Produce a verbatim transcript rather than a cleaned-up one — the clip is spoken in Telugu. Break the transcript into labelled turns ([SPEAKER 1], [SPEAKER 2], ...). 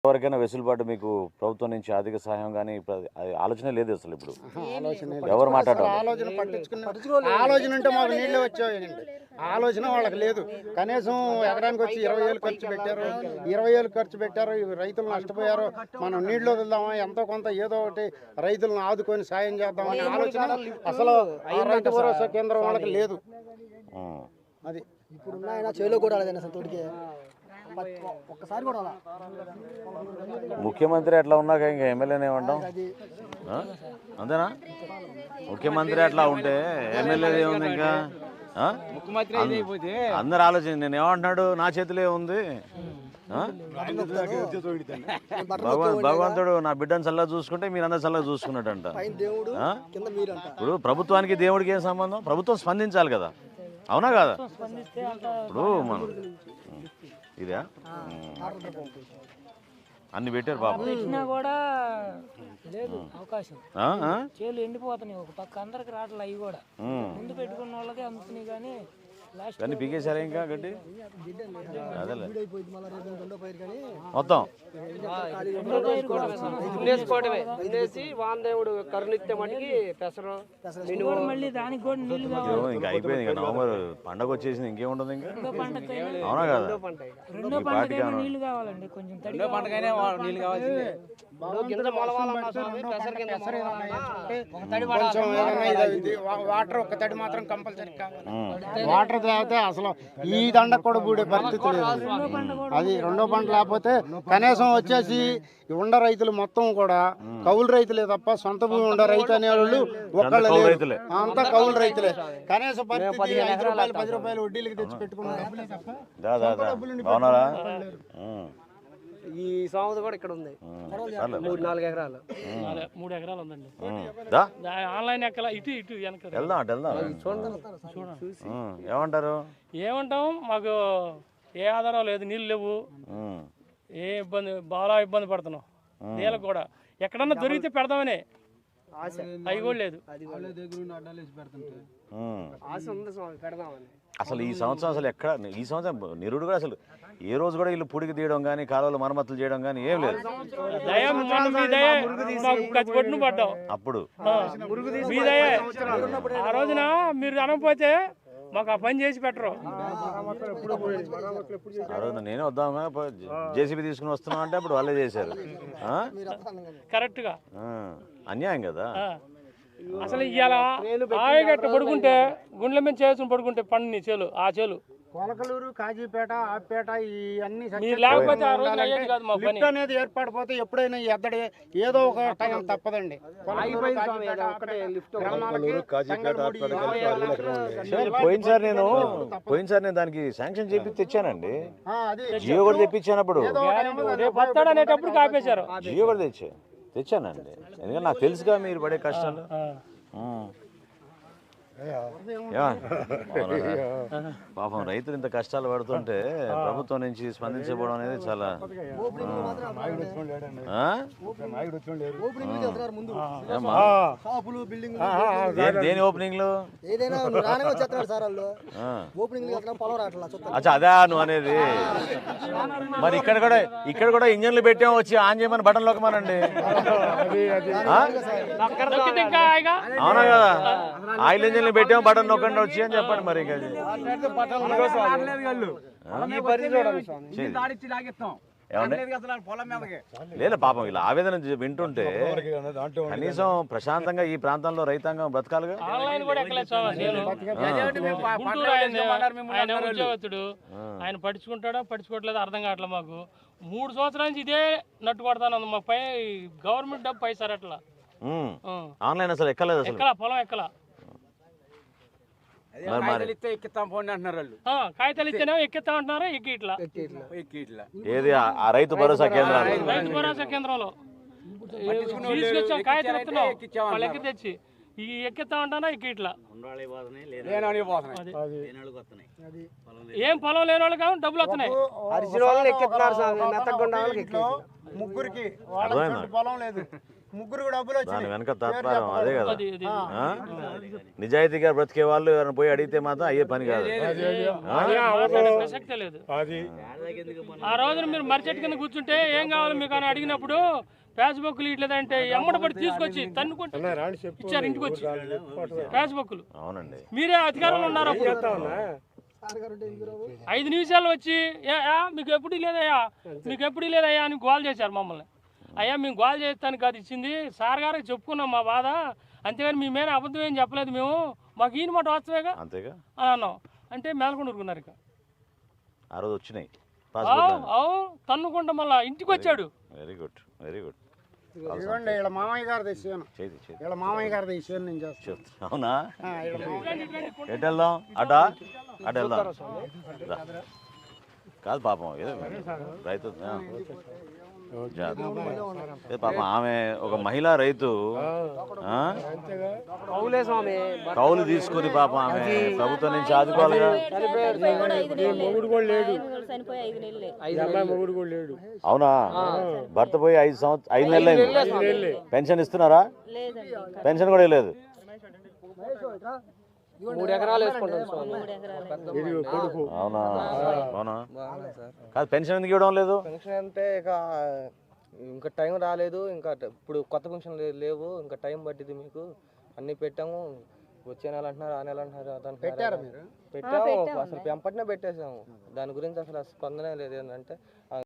[SPEAKER 1] ఎవరికైనా వెసులుబాటు మీకు ప్రభుత్వం నుంచి ఆర్థిక సహాయం కానీ ఆలోచన లేదు అసలు ఇప్పుడు ఎవరు మాట్లాడారు
[SPEAKER 2] ఆలోచన పట్టించుకున్న ఆలోచన ఉంటే మాకు నీళ్ళే వచ్చేయండి ఆలోచన వాళ్ళకి లేదు కనీసం ఎకరానికి వచ్చి ఇరవై వేలు ఖర్చు పెట్టారు ఇరవై వేలు ఖర్చు పెట్టారు రైతులు నష్టపోయారు మనం నీళ్లు వదులుదామా ఎంతో కొంత ఏదో ఒకటి రైతులను ఆదుకొని సాయం చేద్దామని ఆలోచన అసలు రైతు భరోసా కేంద్రం వాళ్ళకి లేదు అది
[SPEAKER 3] ఇప్పుడు ఉన్నాయన చేలో కూడా అసలు తోటికి ఒక్కసారి కూడా
[SPEAKER 1] ముఖ్యమంత్రి అట్లా ఉన్నాక ఇంకా ఎమ్మెల్యేనే ఏమంటాం అంతేనా ముఖ్యమంత్రి అట్లా ఉంటే ఎమ్మెల్యే ఏముంది ఇంకా అందరు ఆలోచన నేను ఏమంటున్నాడు నా చేతిలో ఉంది భగవంతుడు నా బిడ్డను చల్లగా చూసుకుంటే మీరు అందరు చల్లగా చూసుకున్నట్టంట ఇప్పుడు ప్రభుత్వానికి దేవుడికి ఏం సంబంధం ప్రభుత్వం స్పందించాలి కదా అవునా కదా ఇప్పుడు మనం ఇదే అన్ని పెట్టారు పాపం
[SPEAKER 4] పెట్టినా కూడా లేదు అవకాశం చేలు ఎండిపోతున్నాయి ఒక పక్క అందరికి రావట్లే అవి కూడా ముందు పెట్టుకున్న వాళ్ళకే అమ్ముతున్నాయి కానీ
[SPEAKER 1] కానీ పీకేసారా ఇంకా గడ్డి అదేలే మొత్తం
[SPEAKER 5] వామదేవుడు కరుణిత్తే మటుకి పెసరు
[SPEAKER 4] మళ్ళీ దానికి కూడా నీళ్లు కావాలి
[SPEAKER 1] ఇంకా అయిపోయింది ఇంకా నవంబర్ పండగ వచ్చేసింది ఇంకేముంటుంది ఇంకా అవునా కదా
[SPEAKER 4] రెండో పంటకైనా నీళ్లు కావాలండి కొంచెం తడి పంటకైనా నీళ్లు కావాల్సిందే
[SPEAKER 2] వాటర్ ఒక తడి మాత్రం కంపల్సరీ కావాలి వాటర్ తాగితే అసలు ఈ దండ కూడా బూడే పరిస్థితి లేదు అది రెండో పంట లేకపోతే కనీసం వచ్చేసి ఉండ రైతులు మొత్తం కూడా కౌలు రైతులే తప్ప సొంత భూమి ఉండ రైతు అనేవాళ్ళు ఒక్కళ్ళు లేరు అంతా కౌలు రైతులే కనీసం పరిస్థితి ఐదు రూపాయలు పది రూపాయలు వడ్డీలకి తెచ్చి పెట్టుకున్న డబ్బులే తప్ప
[SPEAKER 5] ఈ సంవత్సరం కూడా ఇక్కడ ఉంది మూడు నాలుగు ఎకరాలు
[SPEAKER 4] మూడు ఎకరాలు ఉందండి ఆన్లైన్ ఎక్కల ఇటు ఇటు వెనక
[SPEAKER 1] ఏమంటారు
[SPEAKER 4] ఏమంటాం మాకు ఏ ఆధారం లేదు నీళ్ళు లేవు ఏ ఇబ్బంది బాగా ఇబ్బంది పడుతున్నాం నీళ్ళకు కూడా ఎక్కడన్నా దొరికితే పెడదామని అవి కూడా లేదు
[SPEAKER 1] అసలు ఈ సంవత్సరం అసలు ఎక్కడ ఈ సంవత్సరం నిరుడు కూడా అసలు ఏ రోజు కూడా వీళ్ళు పుడికి తీయడం కానీ కాలువలు మరమ్మతులు చేయడం కానీ ఏం లేదు అప్పుడు
[SPEAKER 4] ఆ రోజున మీరు అనకపోతే మాకు ఆ పని చేసి పెట్టరు
[SPEAKER 1] ఆ రోజున నేనే వద్దాం జేసీబీ తీసుకుని వస్తున్నాం అంటే అప్పుడు వాళ్ళే చేశారు
[SPEAKER 4] కరెక్ట్ గా
[SPEAKER 1] అన్యాయం కదా
[SPEAKER 4] అసలు ఇవాళ ఆయగట్ట పడుకుంటే గుండెల మీద చేసుకుని పడుకుంటే పండుని చేలు ఆ చేలు
[SPEAKER 2] కొలకలూరు కాజీపేట ఆపేట ఇవన్నీ
[SPEAKER 4] లేకపోతే ఆ రోజు అయ్యేది కాదు మా పని
[SPEAKER 2] అనేది ఏర్పడిపోతే ఎప్పుడైనా ఎద్దడే ఏదో ఒక టైం తప్పదండి
[SPEAKER 1] పోయినసారి నేను పోయినసారి నేను దానికి శాంక్షన్ చేపి తెచ్చానండి జియో కూడా తెప్పించాను అప్పుడు
[SPEAKER 4] అనేటప్పుడు కాపేశారు
[SPEAKER 1] జియో కూడా తెచ్చా తెచ్చానండి ఎందుకంటే నాకు తెలుసుగా మీరు పడే కష్టాలు పాపం రైతులు ఇంత కష్టాలు పడుతుంటే ప్రభుత్వం నుంచి స్పందించబోవడం అనేది చాలా దేని ఓపెనింగ్ లో అచ్చా అదే నువ్వు అనేది మరి ఇక్కడ కూడా ఇక్కడ కూడా ఇంజన్లు పెట్టాము వచ్చి ఆన్ చేయమని బటన్ లోకమానండి అవునా కదా ఆయిల్ ఇంజన్లు పెట్టాము బటన్ నొక్కండి వచ్చి అని చెప్పండి మరి ఇంకా లేదు పాపం ఇలా ఆవేదన వింటుంటే కనీసం ప్రశాంతంగా ఈ ప్రాంతంలో రైతాంగం బ్రతకాలిగా
[SPEAKER 4] ఆయన పడుచుకుంటాడా పడుచుకోవట్లేదు అర్థం కావట్లే మాకు మూడు సంవత్సరాల నుంచి ఇదే నట్టు కొడతాను మా పై గవర్నమెంట్ డబ్బు పైసారు అట్లా
[SPEAKER 1] ఆన్లైన్ అసలు ఎక్కలేదు
[SPEAKER 4] ఎక్కలా పొలం ఎక్కలా కాగితాలు ఇస్తేనే ఎక్కిస్తా అంటున్నారు ఎక్కి ఇట్లా
[SPEAKER 1] ఏది ఆ రైతు భరోసా కేంద్రం
[SPEAKER 4] రైతు భరోసా కేంద్రంలో తీసుకొచ్చాం కాగితాలు ఇస్తున్నాం వాళ్ళు ఎక్కి తెచ్చి ఈ ఎక్కిస్తా ఉంటానా ఎక్కి ఇట్లా ఏం పొలం లేని వాళ్ళు కాదు డబ్బులు వస్తున్నాయి
[SPEAKER 2] ముగ్గురికి పొలం లేదు ముగ్గురు డబ్బులు
[SPEAKER 1] దాని
[SPEAKER 2] వచ్చినాయి.
[SPEAKER 1] వెనక తాత్పర్యం అదే కదా.
[SPEAKER 4] అది ఇది
[SPEAKER 1] ఆ? నిజాయితీగా బ్రతికే వాళ్ళు ఎవరైనా పోయి అడిగితే మాత్రం అయ్యే పని కాదు.
[SPEAKER 4] మాట్లాడే ప్రసక్తే లేదు. ఆ రోజున మీరు మర్చెట్టు కింద కూర్చుంటే ఏం కావాలి మీకు అని అడిగినప్పుడు ఫేస్బుక్లు ఇట్లేదంటే ఎమ్మడి పడి తీసుకొచ్చి తన్నుకుంటే ఇచ్చారు ఇంటికి వచ్చి ఫేస్బుక్లు.
[SPEAKER 1] అవునండి.
[SPEAKER 4] మీరే అధికారంలో ఉన్నారు అప్పుడు. ఐదు నిమిషాలు వచ్చి "ఏ, ఆ, మీకు ఎప్పుడు లేదయ్యా మీకు ఎప్పుడు లేదయ్యా అని గోల్ చేశారు మమ్మల్ని. అయ్యా మేము గోల్ చేస్తానికి కాదు ఇచ్చింది, సార్ గారికి చెప్పుకున్నాం మా బాధ, అంతేగాని మీ మీద అబద్ధం ఏం చెప్పలేదు మేము, మాకు ఈయన మాట వాస్తవేగా
[SPEAKER 1] అంతేగా
[SPEAKER 4] అని అన్నాం. అంటే మేలకుండా ఊరుకున్నారు ఇక.
[SPEAKER 1] ఆ రోజు వచ్చినాయి.
[SPEAKER 4] అవు అవు తన్నుకుంటా మళ్ళా ఇంటికి వచ్చాడు.
[SPEAKER 1] Very good very good.
[SPEAKER 2] ఇదిగోండి వీళ్ళ మామయ్య గారు తెచ్చాను.
[SPEAKER 1] చేతి చేతి
[SPEAKER 2] వీళ్ళ మామయ్య గారు తెచ్చాను నేను చేస్తాను.
[SPEAKER 1] అవునా?
[SPEAKER 2] ఆ, వీళ్ళ మామయ్య.
[SPEAKER 1] ఎటు వెళ్దాం? అటా అటు వెళ్దాం. రా. కాదు పాపం ఏదో రైతు ఆ. ఏ పాపం ఆమె ఒక మహిళా రైతు ఆ?
[SPEAKER 5] కౌలే స్వామి
[SPEAKER 1] కౌలు తీసుకుని పాపం ఆమె ప్రభుత్వం నుంచి ఆదుకోవాలిగా. అవునా? భర్త పోయి ఐదు సంవత్సరం ఐదు నెలలు అయింది. పెన్షన్ ఇస్తున్నారా? పెన్షన్ కూడా లేదు.
[SPEAKER 5] మూడు ఎకరాలు వేసుకుంటాం స్వామి.
[SPEAKER 1] అవునా? అవునా? కాదు పెన్షన్ ఎందుకు ఇవ్వడం లేదు?
[SPEAKER 6] పెన్షన్ అంటే ఇక ఇంకా టైం రాలేదు, ఇంకా ఇప్పుడు కొత్త పెన్షన్ లేవు, ఇంకా టైం పట్టింది మీకు, అన్ని పెట్టాము, వచ్చే నెల అంటున్నారు, ఆ నెల అంటున్నారు, అది
[SPEAKER 2] పెట్టారా
[SPEAKER 6] అంటున్నారు.
[SPEAKER 2] మీరు?
[SPEAKER 6] పెట్టాము, అసలు పెంపటినే పెట్టేసాము. దాని గురించి అసలు స్పందనే లేదు. ఏంటంటే